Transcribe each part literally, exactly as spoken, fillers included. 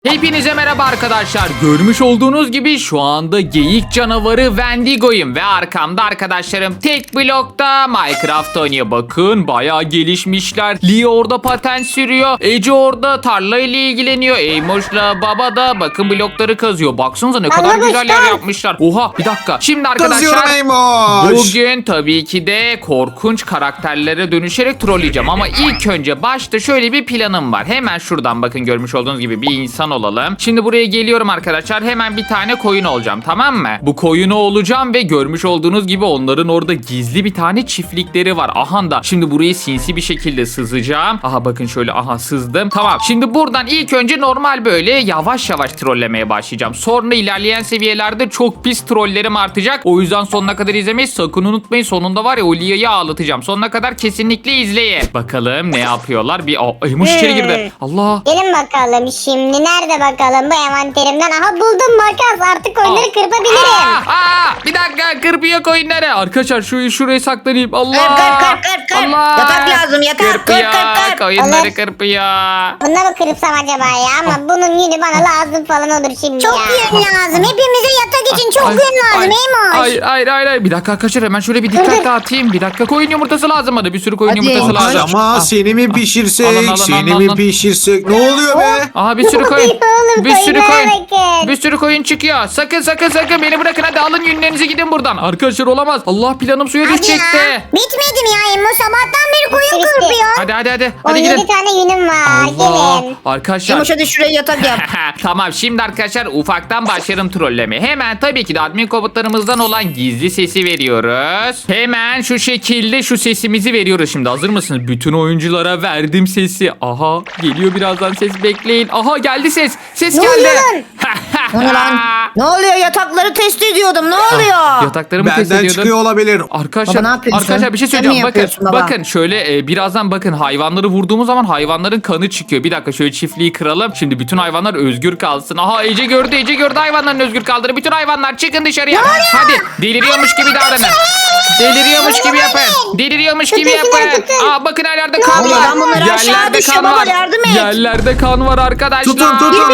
Hepinize merhaba arkadaşlar. Görmüş olduğunuz gibi şu anda geyik canavarı Wendigo'yum ve arkamda arkadaşlarım tek blokta Minecraft oynuyor. Bakın bayağı gelişmişler. Lee orada patent sürüyor. Ece orada tarla ile ilgileniyor. Eymoş'la baba da bakın blokları kazıyor. Baksanıza ne kadar Anladım, güzel yer tamam. yapmışlar. Oha bir dakika. Şimdi Kızıyorum arkadaşlar Eymoş. bugün tabii ki de korkunç karakterlere dönüşerek trolleyeceğim. Ama ilk önce başta şöyle bir planım var. Hemen şuradan bakın görmüş olduğunuz gibi bir insan olalım. Şimdi buraya geliyorum arkadaşlar. Hemen bir tane koyun olacağım, tamam mı? Bu koyunu olacağım ve görmüş olduğunuz gibi onların orada gizli bir tane çiftlikleri var. Aha da şimdi burayı sinsi bir şekilde sızacağım. Aha bakın şöyle aha sızdım. Tamam şimdi buradan ilk önce normal böyle yavaş yavaş trollemeye başlayacağım. Sonra ilerleyen seviyelerde çok pis trollerim artacak. O yüzden sonuna kadar izlemeyi sakın unutmayın. Sonunda var ya o Lia'yı ağlatacağım. Sonuna kadar kesinlikle izleyin. Bakalım ne yapıyorlar? Bir Aa, Eymoş içeri girdi. Allah. Gelin bakalım şimdi nerede bakalım bu envanterimden. Aha buldum makas, artık oyunları Aa. kırpabilirim. Aa, aa, bir dakika kırpıyor koyunları. Arkadaşlar şu şuraya saklanayım. Allah. Kır, kır, kır, kır, kır. Allah. Yatak lazım, yatak. Kır, Kırpıyor. kır, kır. Koyunları Olur. kırpıyor. Bunları mı kırpsam acaba ya? Ama bunun yünü bana lazım falan olur şimdi Çok ya. yün lazım. Hepimize yatak için çok Ay, yün lazım ay, Eymoş. Hayır hayır hayır. hayır. Bir dakika arkadaşlar hemen şöyle bir dikkat dağıtayım. Bir dakika koyun yumurtası lazım bana. Bir sürü koyun Hadi. yumurtası Ay, lazım. Ama Ah, seni mi pişirsek, Alın, alın, seni alın, mi alın. pişirsek? Ne oluyor be? Aha bir sürü Ne koyun. oluyor oğlum, Bir sürü koyunlara koyun. bakın. Bir sürü koyun çıkıyor. Sakın sakın sakın beni bırakın, hadi alın yünlerinizi gidin buradan. Arkadaşlar olamaz. Allah planım suya Hadi düşecekti. ya. Bitmedi mi ya Eymoş? Sabahtan beri koyun Bitti, bitti. kırpıyor. Hadi hadi hadi. Hadi on yedi gidin. tane yünüm var. Allah. Gelin. Arkadaşlar. Eymoş hadi şuraya yatak yap. Tamam şimdi arkadaşlar ufaktan başlarım trollemeye. Hemen tabii ki de admin komutlarımızdan olan gizli sesi veriyoruz. Hemen şu şekilde şu sesimizi veriyoruz şimdi. Hazır mısınız? Bütün oyunculara verdim sesi. Aha geliyor birazdan ses, bekleyin. Aha geldi ses. Ses Ne geldi. oluyor lan? O ne lan? Ne oluyor? Yatakları test ediyordum. Ne oluyor? Yataklarımı test Benden ediyordum. çıkıyor olabilir. Arkadaşlar, Baba ne yapıyorsun? arkadaşlar bir şey Sen mi söyleyeceğim. Bakın, yapıyorsun baba? bakın şöyle e, birazdan bakın hayvanları vurduğumuz zaman hayvanların kanı çıkıyor. Bir dakika şöyle çiftliği kıralım. Şimdi bütün hayvanlar özgür kalsın. Aha Ece gördü, Ece gördü hayvanların özgür kaldığını. Bütün hayvanlar çıkın dışarıya. Hadi deliriyormuş gibi davranın. Deliriyormuş gibi yapın. Deliriyormuş gibi Tutun şunları, yapın. tutun. Aa bakın her yerde kan oluyor var. lan? Bunlar aşağı Yerlerde düşüyor kan baba, var. yardım et. Yerlerde kan var arkadaşlar. Tutun tutun tutun.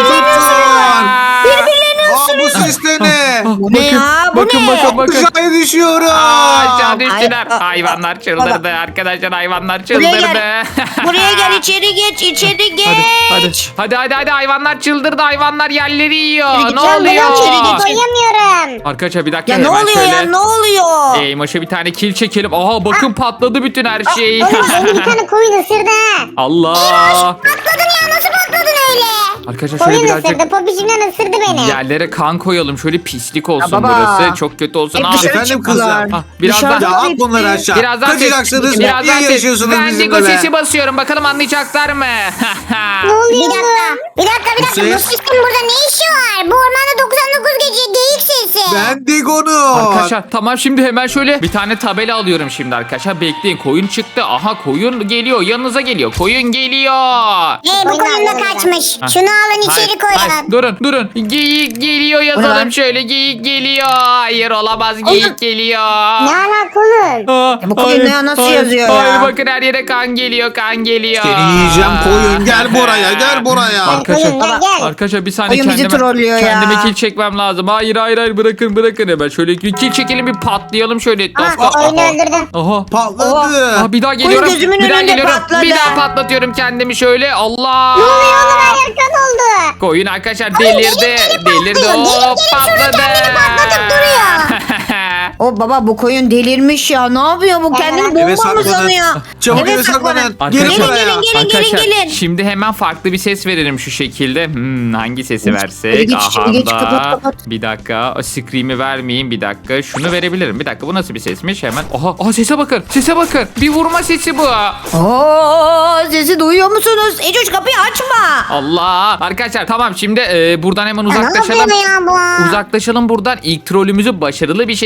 Birbirlerini Aa, bu ses de ne? Bu ne ya? Bu bakın, ne? bakın bakın. Aşağıya düşüyorum. Aa, aşağı düştüler. Ay, Hayvanlar çıldırdı arkadaşlar, hayvanlar Buraya çıldırdı. gel. Buraya gel, içeri geç, içeri geç. Hadi, hadi hadi hadi hayvanlar çıldırdı, hayvanlar yerleri yiyor. Hadi Ne git lan, oluyor? içeri git. Koyamıyorum. Arkadaşlar bir dakika Ya ne hemen oluyor şöyle. ya? Ne oluyor? Eymoş'a bir tane kill çekelim. Aha bakın patladı bütün her şey. Oğlum beni bir tane koyun ısırdı ha. Allah. Patladın ya, nasıl patladın öyle? Arkadaşlar şöyle Koyun birazcık ısırdı, popişimden ısırdı beni. yerlere kan koyalım. Şöyle pislik olsun Ya baba. burası. Çok kötü olsun. Hep Aa, dışarı Efendim çıktılar. kızlar. Ah, birazdan- Dışarıda Ya at hepsi. bunları aşağı. Birazdan Kaçacaksınız. ses, Niye birazdan ses. yarışıyorsunuz Wendigo bizimle be? sesi basıyorum. Bakalım anlayacaklar mı? Ne oluyor Bir dakika. oğlum? Bir dakika, bir dakika. Bu ses? sesin burada ne işi var? Bu ormanda doksan dokuz gece geyik sesi. Ben Digo'nu. Arkadaşlar tamam şimdi hemen şöyle bir tane tabela alıyorum şimdi arkadaşlar. Bekleyin, koyun çıktı. Aha koyun geliyor, yanınıza geliyor. Koyun geliyor. Hey, bu Koyun koyun da alacağım. kaçmış. Ha. Şunu alın, içeri Hayır, koyun. hayır. Durun durun. Geyik geliyor Bu ne yazalım lan? şöyle. Geyik geliyor. Hayır olamaz, geyik Oğlum. geliyor. Ne alaka oğlum? Aa, Ya bu koyun hayır, ne- nasıl hayır, yazıyor ya? Hayır bakın her yere kan geliyor, kan geliyor. Seni yiyeceğim koyun. Gel buraya gel buraya. Arkadaşlar, Koyun, gel, gel. arkadaşlar bir saniye Koyun bizi kendime, trollüyor ya. kendime kill çekmem lazım. Hayır hayır hayır bırakın bırakın hemen şöyle bir kill çekelim, bir patlayalım şöyle etrafta. Aha, oyunu öldürdüm. Aha. Patladı. Aa, bir daha geliyorum. gözümün Bir daha önünde geliyorum. patladı. Bir daha patlatıyorum kendimi şöyle. Allah. Ne oluyor oğlum, her yer kan oldu. Koyun arkadaşlar delirdi. gelip Delirdi. patlıyor. Hop Gelip gelip şurada patladı. kendini patlatıp duruyor. O baba, bu koyun delirmiş ya. Ne yapıyor bu? Kendini Evet, bomba eve mı saklanın. sanıyor? Çabuk eve saklanın. Gelin Arkadaşlar, buraya. gelin, gelin, arkadaşlar, gelin. şimdi hemen farklı bir ses verelim şu şekilde. Hmm, hangi sesi İçeri versek? geç, içeri Aha geç, da. kapat, kapat. Bir dakika. O scream'i vermeyeyim bir dakika. Şunu verebilirim. Bir dakika, bu nasıl bir sesmiş? Hemen. Aha, aha sese bakın. Sese bakın. Bir vurma sesi bu. Oo, sesi duyuyor musunuz? Ecoş, kapıyı açma. Allah. Arkadaşlar tamam şimdi e, buradan hemen Ya ne uzaklaşalım. yapıyor ya bu? Uzaklaşalım buradan. İlk trolümüzü başarılı bir şekilde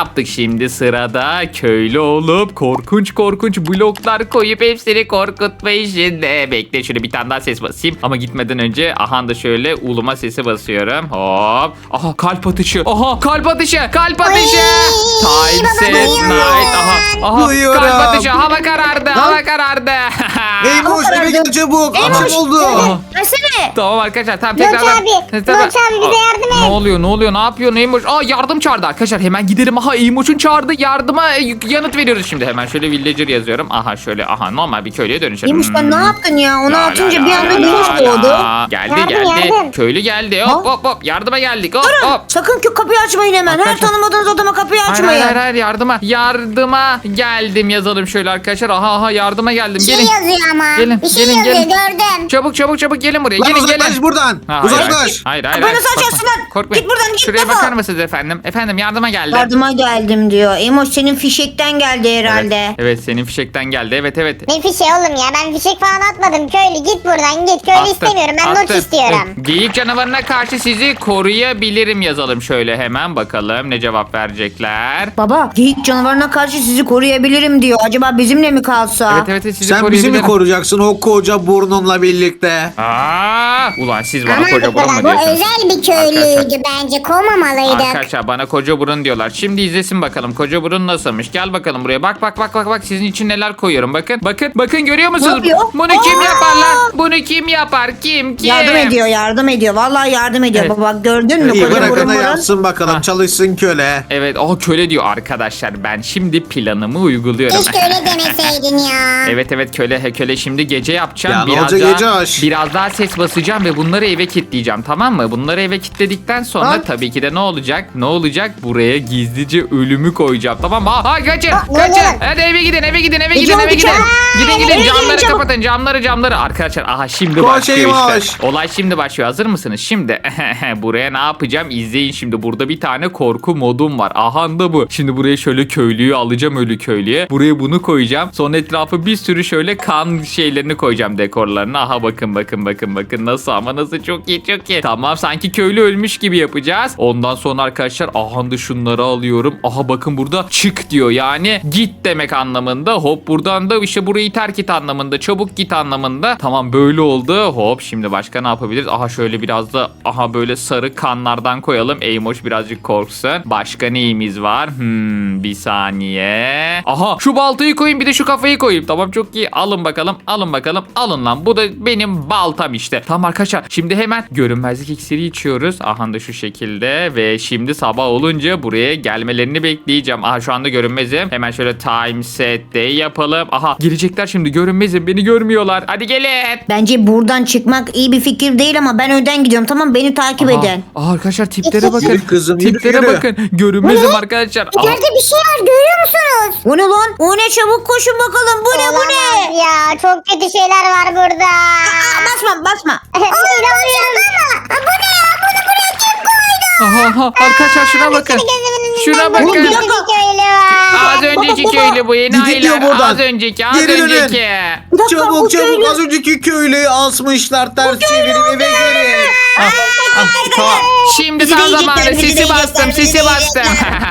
yaptık. Şimdi sırada köylü olup korkunç korkunç bloklar koyup hepsini korkutma işinde. Bekle şöyle bir tane daha ses basayım. Ama gitmeden önce aha da şöyle uluma sesi basıyorum. Hop. Aha kalp atışı. Aha kalp atışı. Kalp atışı. Time baba, set duyuyorum. night. Aha. Aha Duyuyorum. kalp atışı. Hava karardı. Hava karardı. Eymoş eve gidin çabuk. Akşam oldu. Versene. Tamam arkadaşlar tamam Bloç tekrardan. abi, Tamam. Bloç abi bize Aa, yardım et. Ne oluyor ne oluyor ne yapıyor Neymoş? Aa yardım çağırdı arkadaşlar hemen gidelim. Aha Eymoş'un çağırdı yardıma e, yanıt veriyoruz şimdi. Hemen şöyle villager yazıyorum. Aha şöyle aha normal bir köylüye dönüşelim. Neymiş sen ne yaptın ya? Onu La la atınca la bir anda la güneş la doğdu. la. Geldi Yardım, geldi. yardım. Köylü geldi. Hop hop hop. Yardıma geldik. Hop hop. Sakın ki kapıyı açmayın hemen. Her Arkadaşlar- tanımadığınız adama kapıyı Hayır, açmayın. hayır hayır yardıma. Yardıma geldim yazalım şöyle arkadaşlar. Aha aha yardıma geldim. Bir şey Gelin. yazıyor ama. Gelin, Bir şey gelin, yazıyor gelin. gördüm. Çabuk çabuk çabuk gelin buraya. Lan Gelin uzaklaş gelin. buradan. Ha, hayır, Uzaklaş. Hayır hayır. hayır, Kapıyı nasıl Korkma, açarsın lan? Korkmayın. Git buradan, git Şuraya defol. bakar mısınız efendim? Efendim yardıma geldim. Yardıma geldim diyor. Emoş senin fişekten geldi herhalde. Evet, evet senin fişekten geldi. Evet evet. Ne fişe oğlum ya, ben fişek falan atmadım. Köylü git buradan git. Köylü Attım, istemiyorum, ben not attım. istiyorum. Evet, Geyik canavarına karşı sizi koruyabilirim yazalım şöyle hemen bakalım ne cevap verecekler. Baba geyik canavarına karşı sizi koruyabilirim diyor. Acaba bizimle mi kalsa? Evet evet sizi Sen bizi mi koruyabilirim. koruyacaksın o koca burnunla birlikte? Aa, ulan siz bana Ama koca burun mu bu diyorsunuz? özel bir köylüydü, bence kovmamalıydık. Arkadaşlar bana koca burun diyorlar. Şimdi izlesin bakalım koca burun nasılmış. Gel bakalım buraya. Bak bak bak bak bak sizin için neler koyuyorum. Bakın bakın bakın görüyor musunuz? yapıyor? Bunu kim Aa! yapar lan? Bunu kim yapar? Kim kim? Yardım ediyor, yardım ediyor. Vallahi yardım ediyor. Evet. Baba gördün mü? İyi Koca bırakın burun da burun. yapsın bakalım Ha. çalışsın köle. Evet o köle diyor arkadaşlar. Ben şimdi planımı uyguluyorum. Keşke öyle demeseydin ya. Evet evet köle he, köle şimdi gece yapacağım. Ya ne biraz olacak daha, gece aş? biraz daha ses basacağım ve bunları eve kilitleyeceğim tamam mı? Bunları eve kilitledikten sonra Tamam. tabii ki de ne olacak? Ne olacak? Buraya gizlice ölümü koyacağım tamam mı? Ha, ha kaçın Ha, ne kaçın. oluyor? Hadi eve gidin eve gidin eve Gece gidin eve oldu gidin. çabuk. Gidin Aa, gidin eve gidin camları çabuk. kapatın camları camları. Arkadaşlar aha şimdi Koş başlıyor Eymoş. işte. Olay şimdi başlıyor. Hazır mısınız? Şimdi buraya ne yapacağım? İzleyin şimdi. Burada bir tane korku modum var. Aha da bu. Şimdi buraya şöyle köylüyü alacağım ölü köylüye. Buraya bunu koyacağım. Sonra etrafı bir sürü şöyle kan şeylerini koyacağım dekorlarını. Aha bakın bakın bakın bakın nasıl ama nasıl çok iyi çok iyi. Tamam sanki köylü ölmüş gibi yapacağız. Ondan sonra arkadaşlar aha da şunları alıyorum. Aha bakın burada çık diyor. Yani git demek anlamında. Hop buradan da işte burayı terk et anlamında. Çabuk git anlamında. Tamam böyle oldu. Hop şimdi başka ne yapabiliriz? Aha şöyle biraz da aha böyle sarı kanlardan koyalım. Eymoş birazcık korksun. Başka neyimiz var? Hmm, bir saniye. Aha şu baltayı koyayım bir de şu kafayı koyayım. Tamam çok iyi. Alın bakalım. Alın bakalım. Alın lan. Bu da benim baltam işte. Tamam arkadaşlar. Şimdi hemen görünmezlik iksiri içiyoruz. Aha da şu şekilde ve şimdi sabah olunca buraya gelmelerini bekleyeceğim. Aha şu anda görünmezim. Hemen şöyle time set day yapalım. Aha gelecekler şimdi görünmezim. Beni görmüyorlar. Hadi gelin. Bence buradan çıkmak iyi bir fikir değil ama ben önden gidiyorum. Tamam beni takip Aha. edin. Aa, arkadaşlar tiplere bakın. Yürü kızım, yürü, tiplere yürü. bakın. Görünmezim arkadaşlar. Aha. İleride bir şey var, görüyor musunuz? O ne lan? O ne, çabuk koşun bakalım. Bu ne bu ne? Olamaz ya, çok kötü şeyler var burada. Aa, basma basma. İnanmıyorum ama. Bu ne ya? Bunu buraya kim koydu? Aha, aha. Arkadaşlar şuna bakın. Şuna bakın. Bir köylü var. Az önceki baba. köylü bu yeni Gidiyor aylar. buradan. Az önceki az Geri dönün. önceki. Bir dakika, bu Çabuk çabuk köylü- az önceki köylüyü asmışlar ters çevirip eve gelin. Ah, ah, tamam. Şimdi Bizi tam de zamanı yiyecekler, bizi de sisi bastım yiyecekler, sisi bizi de bastım.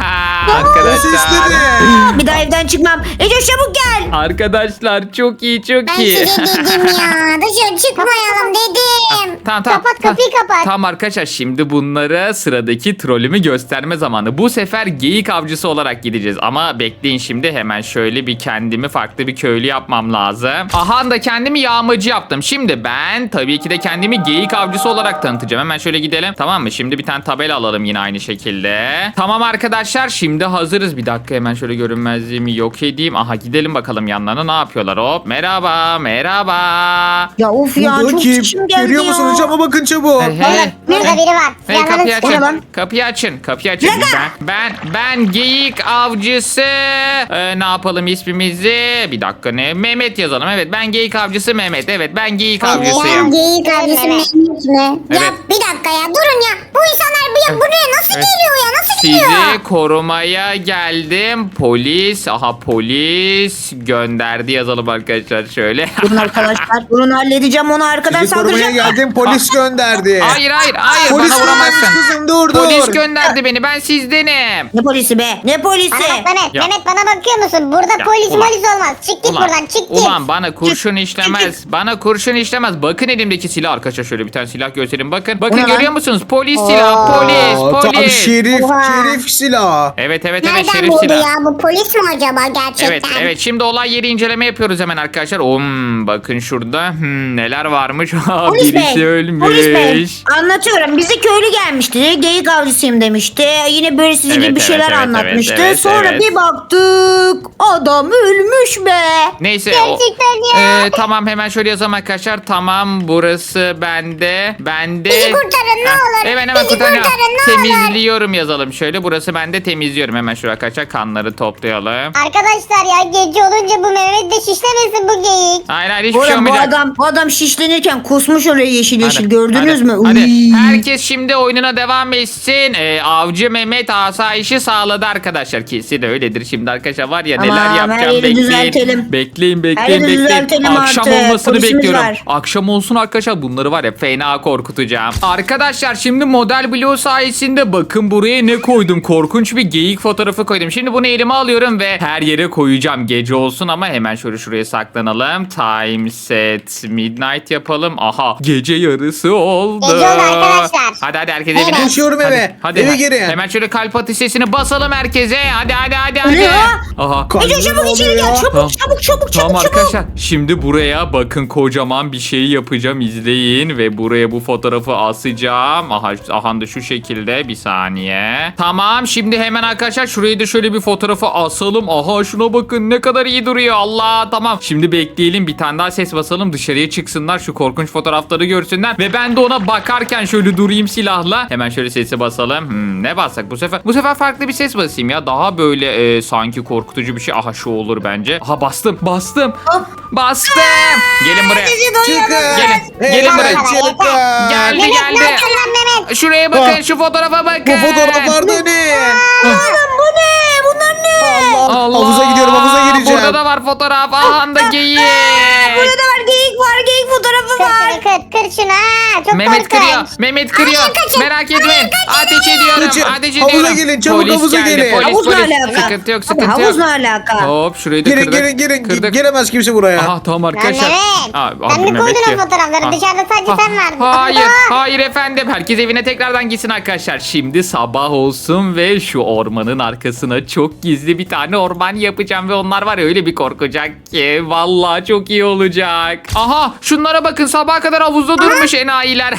O Arkadaşlar. sesleri. Bir daha evden çıkmam. Ece çabuk gel. Arkadaşlar çok iyi çok Ben iyi. size dedim ya, dışarı çıkmayalım dedim. Tamam tamam. Kapat, tamam. kapıyı kapat. Tamam arkadaşlar şimdi bunlara sıradaki trolümü gösterme zamanı. Bu sefer geyik avcısı olarak gideceğiz. Ama bekleyin şimdi hemen şöyle bir kendimi farklı bir köylü yapmam lazım. Aha da kendimi yağmacı yaptım. Şimdi ben tabii ki de kendimi geyik avcısı olarak tanıtacağım. Hemen şöyle gidelim. Tamam mı? Şimdi bir tane tabela alalım yine aynı şekilde. Tamam arkadaşlar şimdi hazırız. Bir dakika hemen şöyle görünmezliğimi yok edeyim. Aha gidelim bakalım yanlarına ne yapıyorlar. Hop merhaba merhaba. Ya of ya Bu çok kim? içim geldi Görüyor ya. musunuz? Cama bakın çabuk. Hey, hey. Burada biri var. Hey Silahlarını kapıyı çıkar. açın. lan? Kapıyı açın. Kapıyı açın. Ben ben ben geyik avcısı. Ee, ne yapalım ismimizi? Bir dakika ne? Mehmet yazalım. Evet ben geyik avcısı Mehmet. Evet ben geyik Ben avcısıyım. geyik avcısı Mehmet mi? Ya Evet. bir dakika ya, durun ya. Bu insanlar bu, ya, buraya nasıl Evet. geliyor ya? Nasıl Sizi korumaya geldim. Polis. Aha polis gönderdi yazalım arkadaşlar şöyle. Durun arkadaşlar. Durun halledeceğim onu arkadan Sizi korumaya saldıracak. geldim, polis gönderdi. Hayır hayır hayır Polis bana vuramazsın. göndermiş kızım, dur dur. Polis gönderdi beni, ben sizdenim. Ne polisi be? Ne polisi? Bana bak Mehmet. Ya. Mehmet bana bakıyor musun? Burada Ya, polis ulan. polis olmaz. Çık git Ulan, buradan çık git. ulan bana kurşun işlemez. Bana kurşun işlemez. Bakın elimdeki silah arkadaşlar, şöyle bir tane silah göstereyim. Bakın. Bakın O ne lan? görüyor musunuz? Polis silahı. Polis. Aa, tam Polis. şerif, Oha. şerif silahı. Evet evet evet Nereden şerif buldu silah. ya? Bu polis mi acaba gerçekten? Evet evet şimdi olay yeri inceleme yapıyoruz hemen arkadaşlar. Um, bakın şurada hmm, neler varmış. Polis Birisi bey. ölmüş. Polis bey. Anlatıyorum. Bize köylü gelmişti. Geyik avcısıyım demişti. Yine böyle sizin Evet, gibi bir evet, şeyler evet, anlatmıştı. evet, evet, Sonra evet. bir baktık. Adam ölmüş be. Neyse o, Gerçekten ya. Ee, tamam hemen şöyle yazalım arkadaşlar. Tamam burası bende. Bende. Bizi kurtarın, ne Heh, olur. Hemen hemen Bizi kurtarın. kurtarın, ne olur. Temizliyorum yazalım şöyle. Burası bende, temizliyorum. Hemen şuraya arkadaşlar kanları toplayalım. Arkadaşlar ya gece olunca bu Mehmet de şişlemesin bu geyik. Hayır hayır hiçbir şey Oğlum bu olmayacak. adam, bu adam şişlenirken kusmuş oraya yeşil yeşil. Hadi, Gördünüz hadi, mü? Hadi. Uy. Herkes şimdi oyununa devam etsin. Ee, Avcı Mehmet asayişi sağladı arkadaşlar. Kesin öyledir. Şimdi arkadaşlar var ya Tamam, neler her yapacağım, yeri bekleyin. düzeltelim. Bekleyin bekleyin Her yeri bekleyin. düzeltelim Akşam artık. olmasını Polisimiz bekliyorum. var. Akşam olsun arkadaşlar, bunları var ya fena korkutacağım. Arkadaşlar şimdi model bloğu sayesinde bakın buraya ne koydum. Korkunç bir geyik fotoğrafı koydum. Şimdi bunu elime alıyorum ve her yere koyacağım. Gece olsun ama hemen şöyle şuraya saklanalım. Time set midnight yapalım. Aha gece yarısı oldu. Gece oldu arkadaşlar. Hadi hadi herkes evine. Evet. Koşuyorum eve. Hadi, Eve hadi. girin. Hemen şöyle kalp atış sesini basalım herkese. Hadi hadi hadi Ne hadi. ya? Aha. Ece çabuk içeri gel. Çabuk Tamam. çabuk çabuk Tamam çabuk çabuk. arkadaşlar şimdi buraya bakın kocaman bir şey yapacağım, izleyin ve buraya bu fotoğrafı asacağım. Aha, aha da şu şekilde, bir saniye. Tamam şimdi hemen arkadaşlar şuraya da şöyle bir fotoğrafı asalım. Aha şuna bakın ne kadar iyi duruyor, Allah tamam. Şimdi bekleyelim, bir tane daha ses basalım, dışarıya çıksınlar, şu korkunç fotoğrafları görsünler ve ben de ona bakarken şöyle durayım silahla. Hemen şöyle sesi basalım. Hmm, ne bassak bu sefer? Bu sefer farklı bir ses basayım ya, daha böyle e, sanki korkutucu bir şey. Aha şu olur bence. Aha bastım bastım. Bastım. Gelin buraya. Çıkın. Gelin, gelin Evet, buraya. çıkın. Geldi Mehmet geldi. ne yapıyorsun lan Mehmet? Şuraya bakın, Ah. şu fotoğrafa bakın. Bu fotoğraflarda ne? Oğlum bu ne? Bunlar ne? Allah. Allah. Havuza gidiyorum, havuza gireceğim. Burada da var fotoğraf. Aha da geyik. Burada da var geyik var. Geyik fotoğrafı Kır var. şunu kır kır şunu ha. Çok Mehmet korkunç. kırıyor. Mehmet kırıyor. Hayır, kaçın. Merak etmeyin. Ateş ediyorum. Kaçın. Ateş Havuza ediyorum. gelin, çabuk Polis havuza geldi, gelin. Polis, Havuz ne polis. alaka? Sıkıntı yok, Abi, sıkıntı havuz yok. ne alaka? Hop şurayı da Girin kırdık. girin girin. Kırdık. Giremez kimse buraya. Aha tamam Lan arkadaşlar. Mehmet. Aa, Sen abi mi Mehmet koydun o diyor. fotoğrafları? Ha. Dışarıda sadece Ha. sen vardın. Hayır, Aa! hayır efendim. Herkes evine tekrardan gitsin arkadaşlar. Şimdi sabah olsun ve şu ormanın arkasına çok gizli bir tane orman yapacağım ve onlar var ya öyle bir korkacak ki. Vallahi çok iyi olacak. Aha şunlara bakın, sabaha kadar havuzda durmuş enayiler.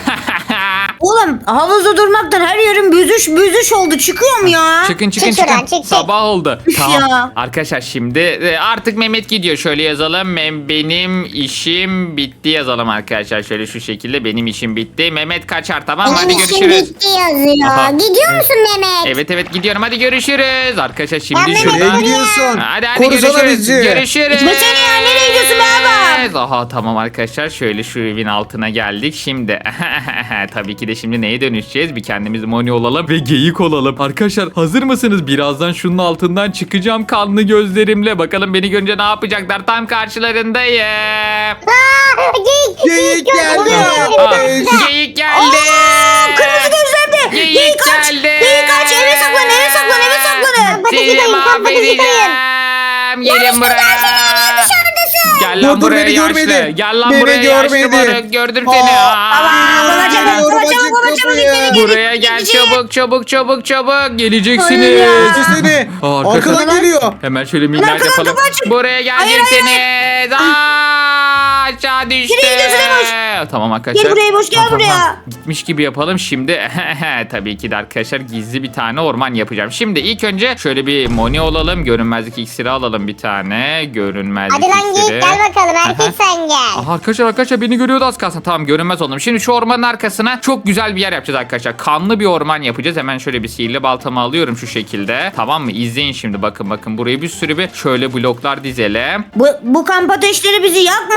Oğlum havuzda durmaktan her yerim büzüş büzüş oldu. Çıkıyor mu ya? Çıkın çıkın Çık şuradan, çıkın. çık, çık. Sabah oldu. Üf Tamam. ya. Arkadaşlar şimdi e, artık Mehmet gidiyor. Şöyle yazalım. Mem benim işim bitti yazalım arkadaşlar. Şöyle şu şekilde benim işim bitti. Mehmet kaçar, tamam mı? Hadi Benim işim görüşürüz. bitti yazıyor. Aha. Gidiyor musun Mehmet? Evet evet gidiyorum. Hadi görüşürüz. Arkadaşlar Ya şimdi Mehmet, Nereye şuradan. gidiyorsun? Hadi hadi Korusana görüşürüz. bizi. Görüşürüz. Gitme seni ya, nereye gidiyorsun be adam? Aha tamam arkadaşlar şöyle şu evin altına geldik. Şimdi tabii ki de şimdi neye dönüşeceğiz? Bir kendimiz moni olalım ve geyik olalım. Arkadaşlar hazır mısınız? Birazdan şunun altından çıkacağım kanlı gözlerimle. Bakalım beni görünce ne yapacaklar? Tam karşılarındayım. Aa, geyik, Geyik geldi. Aa, geyik geldi. Kırmızı gözlerdi. Geyik Geyik kaç. geldi. Geyik kaç. Eve saklan eve saklan eve saklanın. Patatesi Seni koyun, tam patatesi koyun. mahvedeceğim. Gelin buraya. Dışarıdasın. Gel lan Dur, dur, buraya beni yaşlı. görmedi. Gel lan Beni buraya yaşlı görmedi. moruk. Gördüm seni. Aa, Aa. Baba çabuk Geliyorum, baba açık çabuk baba çabuk kapıyı. içeri gel. Buraya gel İçeri. çabuk çabuk çabuk çabuk. Hayır Geleceksiniz. ya. Seni. Aa, arkadaşlar. Arkadan geliyor. Hemen şöyle midnight arkadan yapalım. kapı açık. Buraya geleceksiniz. Aa, aşağı düştü. Nereye gidiyorsun Emoş? Tamam arkadaşlar. Gel buraya Emoş, gel Tamam, buraya. tamam. Gitmiş gibi yapalım. Şimdi tabii ki de arkadaşlar gizli bir tane orman yapacağım. Şimdi ilk önce şöyle bir moni olalım. Görünmezlik iksiri alalım bir tane. Görünmezlik Hadi lan iksiri. geyik gel bakalım. Erkek sen gel. Aha, arkadaşlar arkadaşlar beni görüyordu az kalsın. Tamam görünmez oldum. Şimdi şu ormanın arkasına çok güzel bir yer yapacağız arkadaşlar. Kanlı bir orman yapacağız. Hemen şöyle bir sihirli baltamı alıyorum şu şekilde. Tamam mı? İzleyin şimdi bakın bakın. Buraya bir sürü bir şöyle bloklar dizelim. Bu, bu kamp ateşleri bizi yakmasın. Eyvah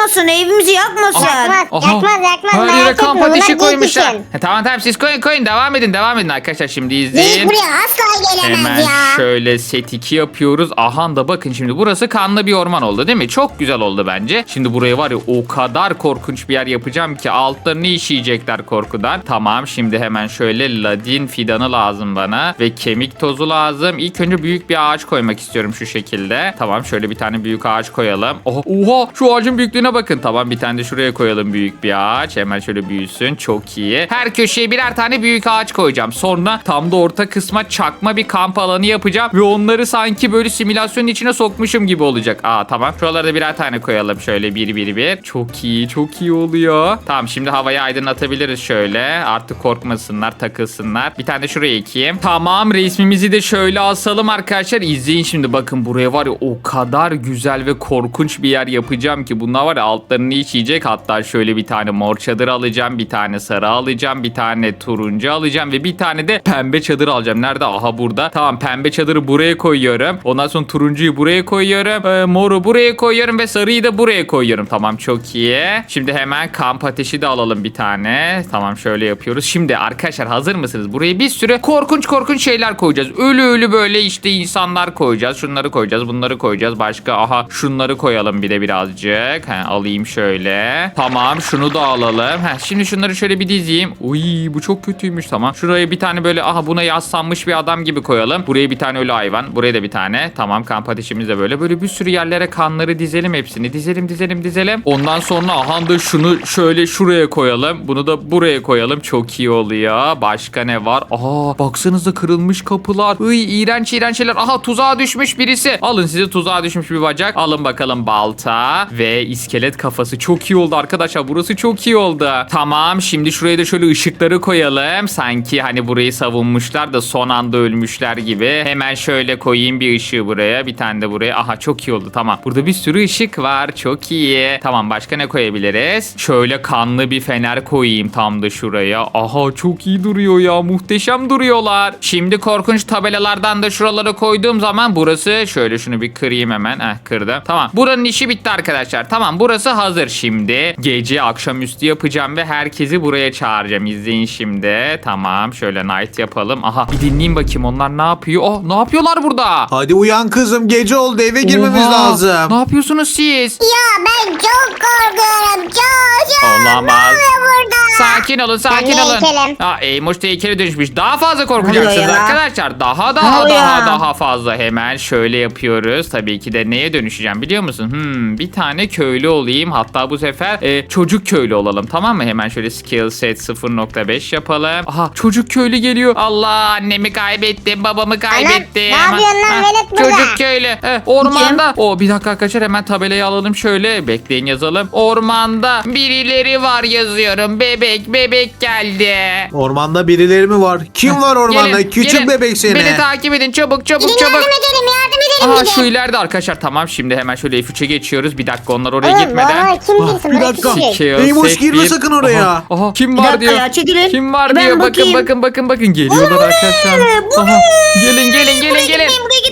evimizi yakmasın. Yakmaz, Aha. yakmaz, yakmaz. Her Merak yere etme, kamp bunlar ateşi geyik koymuşlar. için. He, tamam tamam siz koyun koyun devam edin devam edin arkadaşlar şimdi Geyik izleyin. buraya asla gelemez Hemen ya. şöyle set iki yapıyoruz. Aha da bakın şimdi burası kanlı bir orman oldu değil mi? Çok güzel oldu bence. Şimdi buraya var ya o kadar korkunç bir yer yapacağım ki altlarını işeyecekler korkudan. Tamam şimdi hemen şöyle ladin fidanı lazım bana ve kemik tozu lazım. İlk önce büyük bir ağaç koymak istiyorum şu şekilde. Tamam şöyle bir tane büyük ağaç koyalım. Oha, oha şu ağacın büyüklüğüne bakın. Tamam bir tane de şuraya koyalım büyük bir ağaç. Hemen şöyle büyüsün. Çok iyi. Her köşeye birer tane büyük ağaç koyacağım. Sonra tam da orta kısma çakma bir kamp alanı yapacağım ve onları sanki böyle simülasyonun içine sokmuşum gibi olacak. Aa tamam. Şuralara da birer tane koyalım şöyle bir bir bir. Çok iyi, çok iyi oluyor. Tamam şimdi havayı aydınlatabiliriz şöyle. Artık korkmasınlar, takılsınlar. Bir tane de şuraya ekeyim. Tamam resmimizi de şöyle asalım arkadaşlar. İzleyin şimdi bakın buraya var ya o kadar güzel ve korkunç bir yer yapacağım ki bunlar var ya altlarını içecek. Hatta şöyle bir tane mor çadır alacağım, bir tane sarı alacağım, bir tane turuncu alacağım ve bir tane de pembe çadır alacağım. Nerede? Aha burada. Tamam pembe çadırı buraya koyuyorum. Ondan sonra turuncuyu buraya koyuyorum. Ee, moru buraya koyuyorum ve sarıyı da buraya koyuyorum. Tamam çok iyi. Şimdi hemen kamp ateşi de alalım bir tane. Tamam şöyle yapıyoruz. Şimdi arkadaşlar hazır mısınız? Buraya bir sürü korkunç korkunç şeyler koyacağız. Ölü ölü böyle işte insanlar koyacağız. Şunları koyacağız. Bunları koyacağız. Başka aha şunları koyalım bir de birazcık. He, alayım şöyle. Tamam şunu da alalım. He, şimdi şunları şöyle bir dizeyim. Uy bu çok kötüymüş tamam. Şuraya bir tane böyle aha buna yaslanmış bir adam gibi koyalım. Buraya bir tane ölü hayvan. Buraya da bir tane. Tamam kamp ateşimiz de böyle. Böyle bir sürü yerlere kanları dizelim hepsini. Dizelim dizelim dizelim. Ondan sonra aha da şunu şöyle şuraya koyalım. Bunu da buraya koyalım. Çok iyi oluyor. Başka ne var? Aa baksanıza kırılmış kapılar. Iy iğrenç iğrenç şeyler. Aha tuzağa düşmüş birisi. Alın size tuzağa düşmüş bir bacak. Alın bakalım balta ve iskelet kafası. Çok iyi oldu arkadaşlar. Burası çok iyi oldu. Tamam şimdi şuraya da şöyle ışıkları koyalım. Sanki hani burayı savunmuşlar da son anda ölmüşler gibi. Hemen şöyle koyayım bir ışığı buraya. Bir tane de buraya. Aha çok iyi oldu tamam. Burada bir sürü ışık var. Çok iyi. Tamam başka ne koyabiliriz? Şöyle kanlı bir fener koyayım tam da şuraya. Aha çok iyi duruyor ya. Muhteşem duruyorlar. Şimdi korkunç tabelalardan da şuralara koyduğum zaman burası şöyle şunu bir kırayım hemen. Heh kırdım. Tamam. Buranın işi bitti arkadaşlar. Tamam burası hazır şimdi. Gece akşamüstü yapacağım ve herkesi buraya çağıracağım. İzleyin şimdi. Tamam şöyle night yapalım. Aha bir dinleyin bakayım onlar ne yapıyor? Oh ne yapıyorlar burada? Hadi uyan kızım gece oldu eve girmemiz Oha, lazım. Ne yapıyorsunuz siz? Ya ben çok korkuyorum. Çok çok. Olamaz. Ne oluyor burada? Sakin olun sakin Ben de olun. heykelim. Aa, Eymoş da heykele dönüşmüş. Daha fazla korkacaksınız Oluyor ya. arkadaşlar. Daha Ne daha oluyor? daha daha fazla. Hemen şöyle yapıyoruz. Tabii ki de neye dönüşeceğim biliyor musun? Hmm, bir tane köylü olayım. Hatta bu sefer e, çocuk köylü olalım tamam mı? Hemen şöyle skill set sıfır nokta beş yapalım. Aha çocuk köylü geliyor. Allah annemi kaybettim. Babamı kaybettim. ne yapıyorsun lan Ha, velet burada? Çocuk köylü. Eh, ormanda. O bir dakika arkadaşlar hemen tabelayı alalım şöyle. Bekleyin yazalım. Ormanda birileri var yazıyorum. Bebek bebek geldi. Ormanda birileri mi var? Kim var ormanda? Gelin, Küçük gelin. bebek seni. Beni takip edin çabuk çabuk Gidin çabuk. yardım edelim yardım edelim Aha gidin. şu ileride arkadaşlar tamam şimdi hemen şöyle F üçe geçiyoruz. Bir dakika onlar oraya Oğlum gitmeden. bana kim bilsin bir bana dakika. küçücük. Skill Eymoş, set girme bir. sakın oraya. Aha, aha, kim Bir var dakika diyor. ya, çekilin. Kim var Ben diyor. Bakın bakayım. bakın bakın bakın geliyorlar arkadaşlar. Bu Aha, gelin gelin gelin gelin.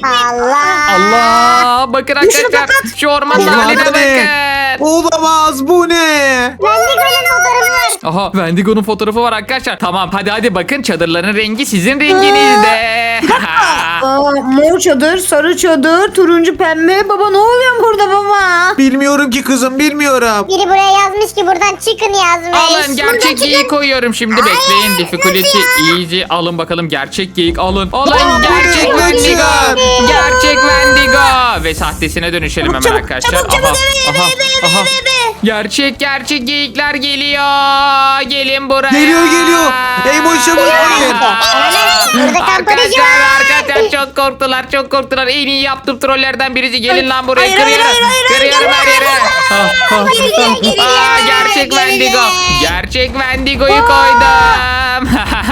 Allah. Allah bakın arkadaşlar şu ormanın Ormanda haline ne? bakın. Olamaz bu ne? Wendigo'nun fotoğrafı var. Aha Wendigo'nun fotoğrafı var arkadaşlar. Tamam hadi hadi bakın çadırların rengi sizin renginizde. Aa, mor çadır, sarı çadır, turuncu pembe. Baba ne oluyor burada baba? Bilmiyorum ki kızım bilmiyorum. Biri buraya yazmış ki buradan çıkın yazmış. Alın gerçek geyik koyuyorum şimdi bekleyin. Difficulty easy alın bakalım gerçek geyik alın. Alın Aa, gerçek bu ne? Wendigo. Gerçek. Gerçek Wendigo. Ve sahtesine dönüşelim hemen Çabuk, arkadaşlar. çabuk, çabuk, Aha, eve, aha, eve, eve, aha. eve, eve. Gerçek gerçek geyikler geliyor. Gelin buraya. Geliyor geliyor. Eymoş çabuk gelin. Burada kamp ateşi Arkadaşlar var. arkadaşlar çok korktular çok korktular. En iyi yaptığım trollerden birisi. Gelin lan buraya Hayır, kırıyorum. hayır, hayır, hayır, Kırıyorum hayır, her yere. Ah, ah, Geliyor, ah. geliyor, Aa, geliyor, gerçek geliyor. Wendigo. Gerçek Wendigo'yu koydum.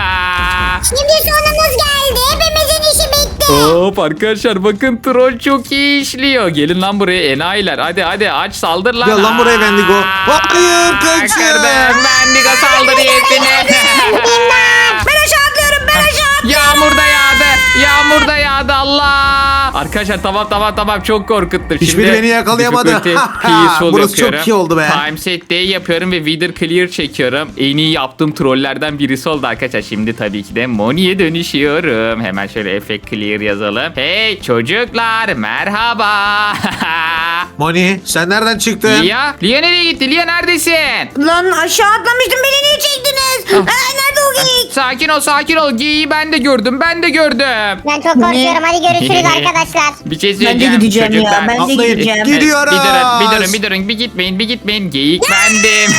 Şimdi sonumuz geldi. Hepimizin işi bitti. Hop arkadaşlar bakın troll çok iyi işliyor. Gelin lan buraya enayiler. Hadi hadi aç saldır lan. Gel lan buraya Wendigo. Hayır, Aa, kaçın. Kırdım. Wendigo saldır yetini. Ben aşağı atlıyorum ben aşağı. Yağmur da yağdı. Yağmur da yağdı Allah. Arkadaşlar tamam tamam tamam çok korkuttum. Hiçbiri Şimdi beni yakalayamadı. difficulty peaceful Burası çok yapıyorum. iyi oldu be. Time set day yapıyorum ve Wither clear çekiyorum. En iyi yaptığım trollerden birisi oldu arkadaşlar. Şimdi tabii ki de Moni'ye dönüşüyorum. Hemen şöyle effect clear yazalım. Hey çocuklar merhaba. Moni sen nereden çıktın? Lia, Lia nereye gitti? Lia neredesin? Lan aşağı atlamıştım beni niye çektiniz? Ah. Aa, nerede o geyik? Sakin ol sakin ol. Geyiği ben de gördüm. Ben de gördüm. Ben çok korkuyorum. Hadi görüşürüz arkadaşlar. Bir şey Ben de söyleyeceğim. gideceğim ya, çocuklar. ben de Atlayın. gideceğim. Gid- Gidiyoruz. Bir durun, bir durun, bir durun. Bir gitmeyin, bir gitmeyin. Geyik bendim.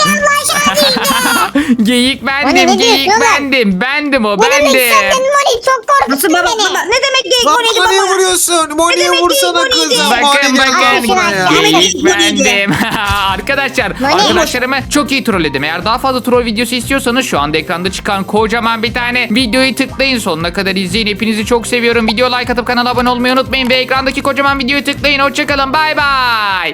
Geyik Moni, bendim, ne geyik diyorsun lan? bendim. Bendim o, Ne demek sen bendim. benim Moni? Çok Nasıl korkuttun baba beni. baba ne demek geyik Lan Moni'ydi bana niye baba? vuruyorsun? Moni'ye demek vursana değil, Moni'ydi? kızım. Bakın Moni, gel bakın buraya. Moni, geyik Moni, Moni. bendim. Arkadaşlar Moni. arkadaşlarımı çok iyi trolledim. Eğer daha fazla troll videosu istiyorsanız şu anda ekranda çıkan kocaman bir tane videoyu tıklayın. Sonuna kadar izleyin. Hepinizi çok seviyorum. Video like atıp kanala abone olmayı unutmayın. Ve ekrandaki kocaman videoyu tıklayın. Hoşçakalın. Bay bay.